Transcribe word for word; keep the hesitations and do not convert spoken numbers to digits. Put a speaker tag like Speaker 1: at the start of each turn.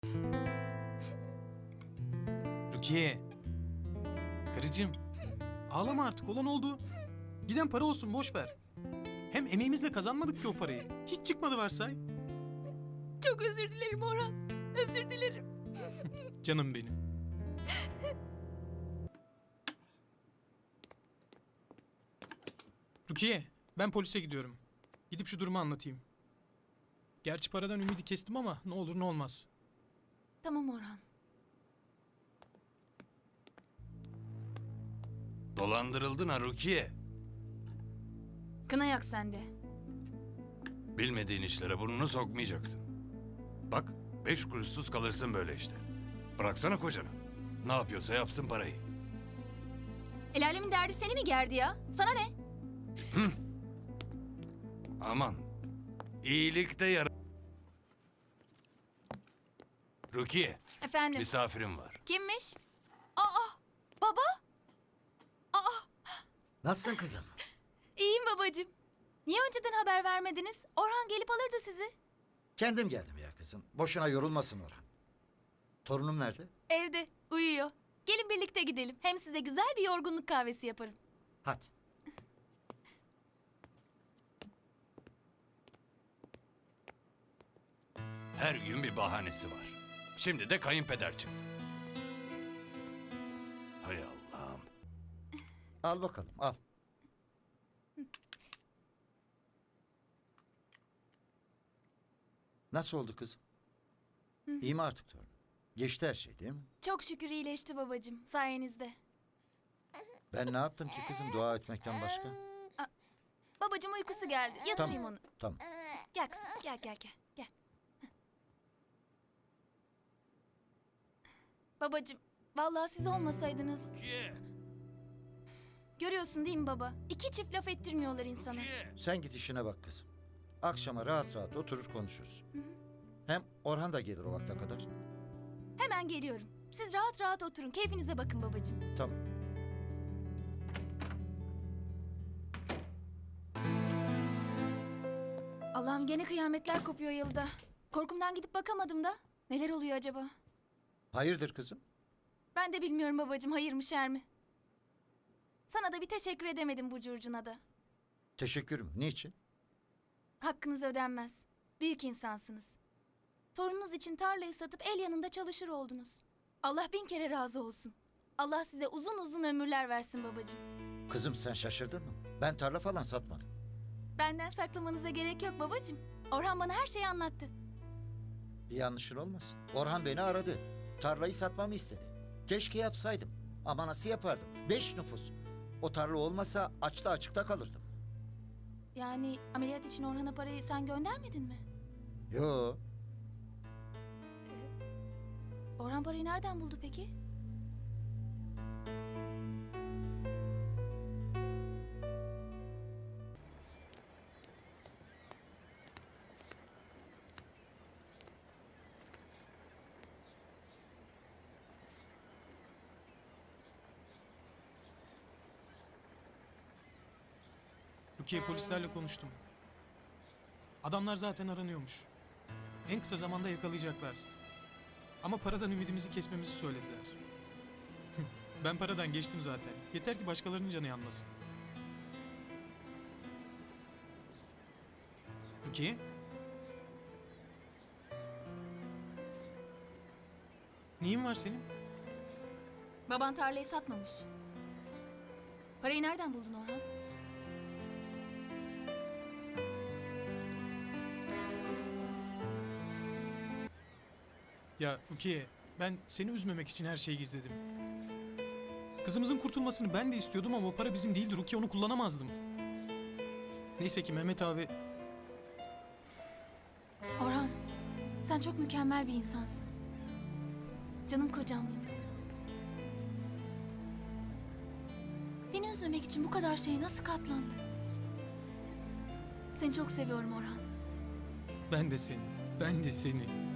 Speaker 1: Rukiye. Karıcığım. Ağlama artık, olan oldu. Giden para olsun, boş ver. Hem emeğimizle kazanmadık ki o parayı. Hiç çıkmadı varsay.
Speaker 2: Çok özür dilerim Orhan. Özür dilerim.
Speaker 1: Canım benim. Rukiye, ben polise gidiyorum. Gidip şu durumu anlatayım. Gerçi paradan ümidi kestim ama ne olur ne olmaz.
Speaker 2: Tamam Orhan.
Speaker 3: Dolandırıldın ha Rukiye.
Speaker 2: Kına yak sende.
Speaker 3: Bilmediğin işlere burnunu sokmayacaksın. Bak, beş kuruşsuz kalırsın böyle işte. Bıraksana kocanı. Ne yapıyorsa yapsın parayı.
Speaker 2: El alemin derdi seni mi gerdi ya? Sana ne?
Speaker 3: Aman. İyilikte yara... Rukiye,
Speaker 2: Efendim?
Speaker 3: misafirim var.
Speaker 2: Kimmiş? Aa! Baba! Aa!
Speaker 4: Nasılsın kızım?
Speaker 2: İyiyim babacığım. Niye önceden haber vermediniz? Orhan gelip alırdı sizi.
Speaker 4: Kendim geldim ya kızım. Boşuna yorulmasın Orhan. Torunum nerede?
Speaker 2: Evde, uyuyor. Gelin birlikte gidelim. Hem size güzel bir yorgunluk kahvesi yaparım.
Speaker 4: Hadi.
Speaker 3: Her gün bir bahanesi var. Şimdi de kayınpeder çıktı. Hay Allah'ım.
Speaker 4: Al bakalım, al. Nasıl oldu kızım? İyi mi artık torun? Geçti her şey değil mi?
Speaker 2: Çok şükür iyileşti babacığım sayenizde.
Speaker 4: Ben ne yaptım ki kızım dua etmekten başka?
Speaker 2: Babacığım uykusu geldi. Yatırayım
Speaker 4: Tamam,
Speaker 2: onu.
Speaker 4: tamam.
Speaker 2: Gel kızım gel gel gel. Gel. Babacığım vallahi siz olmasaydınız.
Speaker 3: Rukiye,
Speaker 2: Görüyorsun değil mi baba? İki çift laf ettirmiyorlar insana.
Speaker 3: Rukiye.
Speaker 4: Sen git işine bak kızım. Akşama rahat rahat oturur konuşuruz. Hem Orhan da gelir o vakte kadar.
Speaker 2: Hemen geliyorum. Siz rahat rahat oturun. Keyfinize bakın babacığım.
Speaker 4: Tamam.
Speaker 2: Allah'ım gene kıyametler kopuyor yılda. Korkumdan gidip bakamadım da. Neler oluyor acaba?
Speaker 4: Hayırdır kızım?
Speaker 2: Ben de bilmiyorum babacığım hayır mı şer mi? Sana da bir teşekkür edemedim bu curcuna da.
Speaker 4: Teşekkür mü? Niçin?
Speaker 2: Hakkınız ödenmez. Büyük insansınız. Torununuz için tarlayı satıp el yanında çalışır oldunuz. Allah bin kere razı olsun. Allah size uzun uzun ömürler versin babacığım.
Speaker 4: Kızım sen şaşırdın mı? Ben tarla falan satmadım.
Speaker 2: Benden saklamanıza gerek yok babacığım. Orhan bana her şeyi anlattı.
Speaker 4: Bir yanlışın olmasın. Orhan beni aradı. Tarlayı satmamı istedi. Keşke yapsaydım. Ama nasıl yapardım? Beş nüfus. O tarla olmasa açta açıkta kalırdım.
Speaker 2: Yani ameliyat için Orhan'a parayı sen göndermedin mi?
Speaker 4: Yo,
Speaker 2: Orhan parayı nereden buldu peki?
Speaker 1: Rukiye, polislerle konuştum. Adamlar zaten aranıyormuş. En kısa zamanda yakalayacaklar. Ama paradan ümidimizi kesmemizi söylediler. Ben paradan geçtim zaten. Yeter ki başkalarının canı yanmasın. Rukiye? Neyin var senin?
Speaker 2: Baban tarlayı satmamış. Parayı nereden buldun Orhan?
Speaker 1: Ya Rukiye, ben seni üzmemek için her şeyi gizledim. Kızımızın kurtulmasını ben de istiyordum ama o para bizim değildi Rukiye, onu kullanamazdım. Neyse ki Mehmet abi...
Speaker 2: Orhan, sen çok mükemmel bir insansın. Canım kocam benim. Beni üzmemek için bu kadar şeye nasıl katlandın? Seni çok seviyorum Orhan.
Speaker 1: Ben de seni, ben de seni.